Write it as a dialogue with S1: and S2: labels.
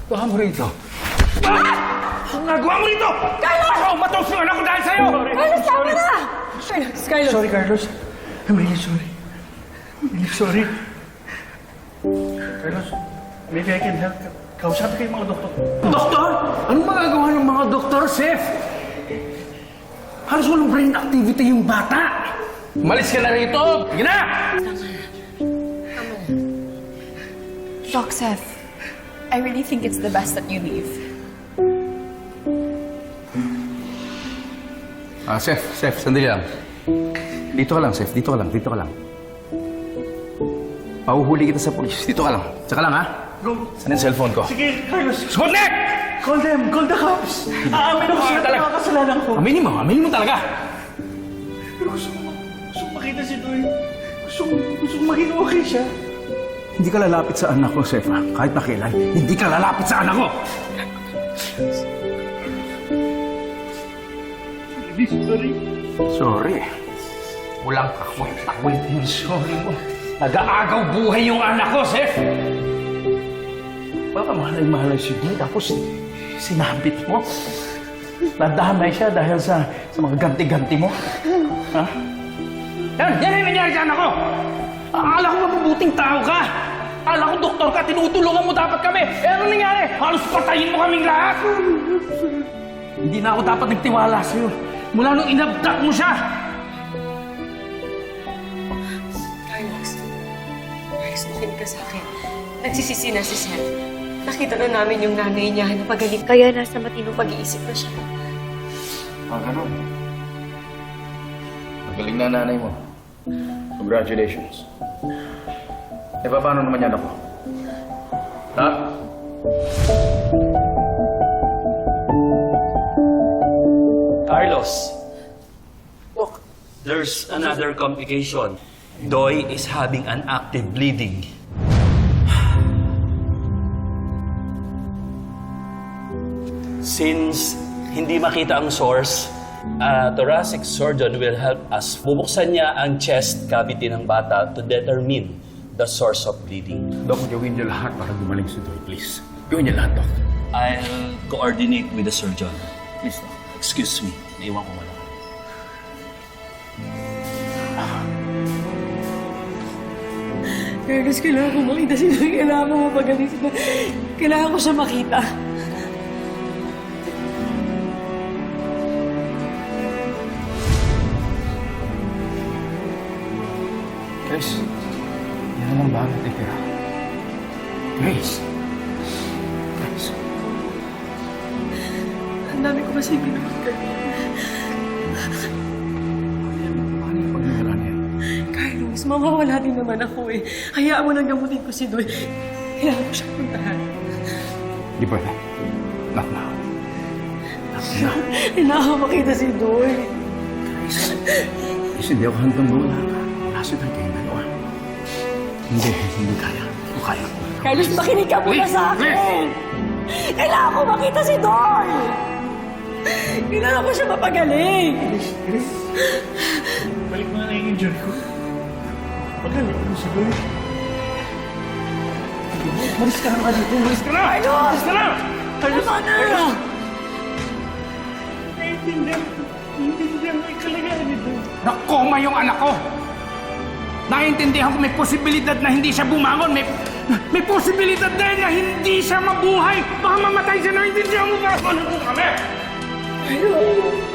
S1: Baka mo rito. Ang nagawa mo rito! Carlos! Ako matos yung anak ko dahil sa'yo!
S2: Carlos, tama na! Carlos!
S1: Sorry, Carlos. I'm really sorry. I'm really sorry. Carlos, maybe I can help. Kausapin kayo mga doktor. Doktor? Anong magagawa ng mga doktor, Seth? Halos walang brain activity yung bata. Malis ka na rito! Sige na!
S2: Doc Seth, I really think it's the best that you leave.
S1: Seth, sandali lang. Dito ka lang, Seth. Dito ka lang. Pahuhuli kita sa polis. Dito ka lang. Tsaka lang, ha? Go. Saan yung cellphone ko?
S3: Sige, Carlos.
S1: Sputnik!
S3: Call them. Call the cops. Aamin ako sa mga kasalanan ko.
S1: Aminin mo talaga.
S3: Pero gusto ko makita si Doy. Gusto ko maging okay siya.
S1: Hindi ka lalapit sa anak ko, Seth, ha? Kahit na kailan, hindi ka lalapit sa anak ko!
S3: Sorry.
S1: Sorry. Walang kakwit-takwit yung sorry mo. Nag-aagaw buhay yung anak ko, Seth! Baka mahalay si Doy, tapos sinabit mo. Nadamay siya dahil sa mga ganti-ganti mo. Ha? Yan ang nangyari sa anak ko! Akala ko mabubuting tao ka! Akala ko doktor ka, tinutulungan mo dapat kami! Eh ano nangyari? Halos patayin mo kaming lahat! Hindi na ako dapat nagtiwala sa'yo. Mula nung inabdak mo siya!
S2: Carlos, makinig ka sa akin. Nagsisisi na si Seth. Nakita na namin yung nanay niya na pagaling. Kaya nasa matinong pag-iisip na siya.
S1: Ganun. Magaling na nanay mo. Congratulations. Eh, paano naman yan ako? Ha?
S4: Carlos, there's another complication. Doy is having an active bleeding. Since hindi makita ang source, thoracic surgeon will help us. Bubuksan niya ang chest cavity ng bata to determine the source of bleeding.
S1: Dok, gawin niyo lahat para gumaling si Doy, please. Gawin niyo lahat, Dok.
S4: I'll coordinate with the surgeon.
S1: Please, Dok.
S4: Excuse me, naiwan ko wala.
S2: Carlos, kailangan ko makita si Doy. Kailangan ko mapagaling si Doy. Kailangan ko siya makita.
S1: Grace, yan lang ba ang natitira? Grace!
S2: Ang dami ko kasi ginawa kanina.
S1: Paano yung pagmamala niya?
S2: Carlos, mawawala din naman ako eh. Hayaan mo lang gamutin ko si Doy. Kailangan ko siyang puntahan.
S1: Di ba na? Not now. Not now.
S2: Kailangan ko makita si Doy.
S1: Grace, hindi ako hanggang mula. Nasa tayo kayong dalawa. Hindi kaya. Hindi kaya.
S2: Carlos, makinig ka muna sa akin. Kailangan ko makita si Doy. Kailangan ko siya mapagaling.
S3: Grace. Balik mo na yung injury ko. Magaling mo si Doy. Malis ka na dito. Malis ka na!
S2: Carlos!
S3: Malis ka na! Carlos!
S2: Tama na!
S3: Carlos! Naiintindihan mo yung kalagayan ni Doy.
S1: Nakoma yung anak ko! Naiintindihan ko may posibilidad na hindi siya bumangon. May posibilidad din na hindi siya mabuhay. Baka mamatay siya. Naiintindihan mo ba? Ano po kami?
S2: Carlos!